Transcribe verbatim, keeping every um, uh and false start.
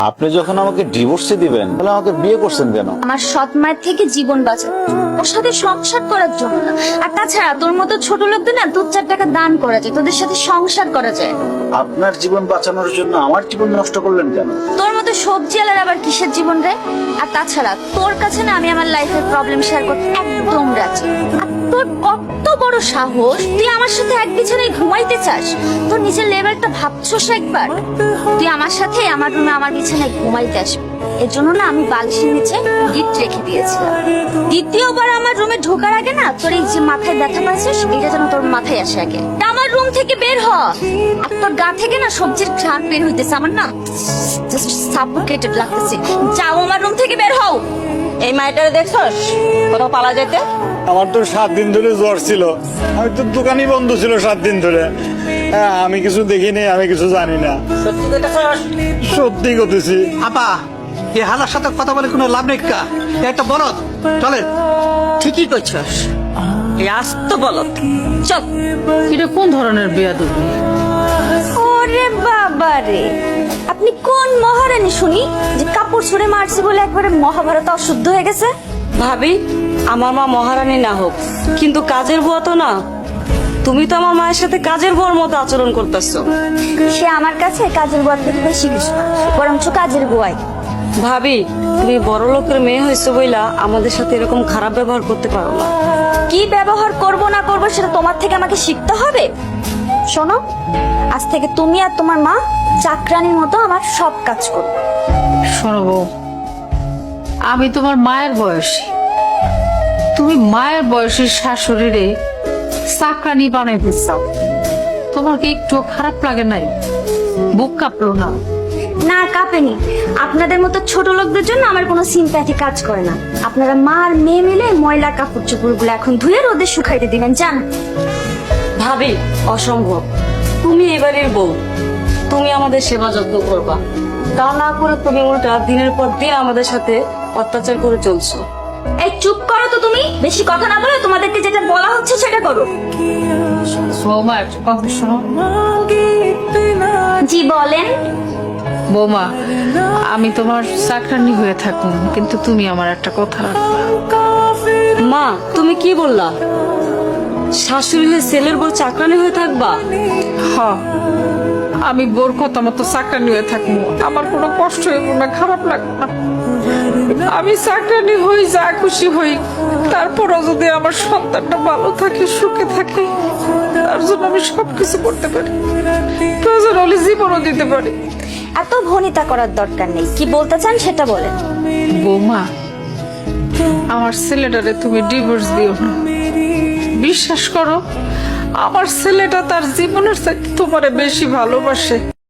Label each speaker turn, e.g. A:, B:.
A: আপনি যখন আমাকে ডিভোর্সে দিবেন তাহলে আমাকে বিয়ে করছেন কেন?
B: আমার সৎ মায়ের থেকে জীবন বাঁচাতে, ওর সাথে সংসার করার জন্য না। আর তাছাড়া তোর মতো ছোট লোকদের না দু চার টাকা দান করা যায়, তোদের সাথে সংসার করা যায়।
A: আপনার জীবন বাঁচানোর জন্য আমার জীবন নষ্ট করলেন কেন?
B: তোর মতো সবজি আলার আবার কিসের জীবন রে? আর তাছাড়া তোর কাছে না আমি আমার লাইফের প্রবলেম শেয়ার করতে একদম রাজি। আর তোর কত বড় সাহস, তুই আমার সাথে এক বিছানায় ঘুমাইতে চাস? তোর নিজের লেভেলটা ভাবছস একবার? তুই আমার সাথে আমার রুমে আমার বিছানায় ঘুমাইতে আসবি, এর জন্য না আমি বালিশের নিচে গিফট রেখে দিয়েছিলাম। দ্বিতীয়বার আমার রুমে ঢোকার আগে না তোর এই যে মাথায় ব্যথা পাচ্ছিস, এটা যেন তোর মাথায় আসে আগে। আমার রুম থেকে বের হ। আর তোর গা থেকে না সবজির ঘ্রাণ বের হইতেছে, আমার না জাস্ট সাফোকেটেড লাগতেছে। যাও আমার রুম থেকে বের হও।
C: এই মাইটারে দেখছস কোথাও পালা যেতে?
D: আমার তো সাত দিন ধরে জ্বর ছিল, আমি তো দোকানই বন্ধ ছিল সাত দিন ধরে। হ্যাঁ, আমি কিছু দেখিনি, আমি কিছু জানি না।
C: সত্যি কইতাছস?
D: সত্যি করতেছি।
E: আপা, এই হালার সাথে কথা বলে কোনো লাভ নেই। কা এ একটা বলদ, চলেন।
C: ঠিকই কইছস, এই আস্ত বলত। চল।
F: এটা কোন ধরনের বেয়াদবি?
B: ওরে বাবা রে, আপনি কোন মহারানী শুনি যে কাপড় ছুঁড়ে মারছে বলে একবারে মহাভারত অশুদ্ধ হয়ে গেছে?
C: ভাবি, আমার মা মহারানী না হোক, কিন্তু কাজের বুয়া তো না। তুমি তো আমার মায়ের সাথে কাজের বুয়ার মতো আচরণ করতেছো।
B: সে আমার কাছে কাজের বুয়ার থেকে বেশি কিছু না, বরঞ্চ কাজের বুয়াই।
C: ভাবি, তুমি বড় লোকের মেয়ে হয়েছো বইলা আমাদের সাথে এরকম খারাপ ব্যবহার করতে পারো না।
B: কি ব্যবহার করব না করব সেটা তোমার থেকে আমাকে শিখতে হবে। শোনো, আজ থেকে তুমি আর তোমার মা চাকরানির মতো আমার সব কাজ করবে।
F: শোনো বউ, আমি তোমার মায়ের বয়সী, তুমি মায়ের বয়সের শাশুড়িরে চাকরানি বানাইতে চাও, তোমার কি একটু খারাপ লাগে নাই? বুক কাঁপলো না?
B: না, কাঁপেনি। আপনাদের মতো ছোট লোকদের জন্য আমার কোনো সিম্প্যাথি কাজ করে না। আপনারা মা আর মেয়ে মিলে ময়লা কাপড় চোপড় গুলো এখন ধুয়ে রোদে শুকাইতে দিবেন, জান?
C: ভাবি, অসম্ভব। তুমি এবারের বউ, তুমি আমাদের সেবা যত্ন করবা, তা না করে তুমি উল্টা দিনের পর দিন আমাদের সাথে অত্যাচার করে চলছো।
B: এই চুপ করো তো, তুমি বেশি কথা না বলে তোমাদেরকে যেটা বলা হচ্ছে সেটা করো।
F: বৌমা একটা কথা শোনো।
B: জি বলেন।
F: বৌমা, আমি তোমার চাকরানি হয়ে থাকুন, কিন্তু তুমি আমার একটা কথা রাখবা।
C: মা, তুমি কি বললা? শাশুড়ি হয়ে ছেলের বউ চাকরানি হয়ে থাকবা?
F: হ, আমি বোর কথা মতো চাকরানি হয়ে থাকবো, আমার কোনো কষ্ট হইব না, খারাপ লাগবে না। আমি চাকরানি হই, যা খুশি হই, তারপরও যদি আমার সন্তানটা ভালো থাকে, সুখে থাকে, তার জন্য আমি সবকিছু করতে পারি, প্রয়োজন হলে জীবনও দিতে পারি।
B: এত ভনিতা করার দরকার নেই, কি বলতে চান সেটা বলেন।
F: বৌমা, আমার ছেলেটারে তুমি ডিভোর্স দিও না। বিশ্বাস করো, আমার ছেলেটা তার জীবনের চাইতে তোমারে বেশি ভালোবাসে।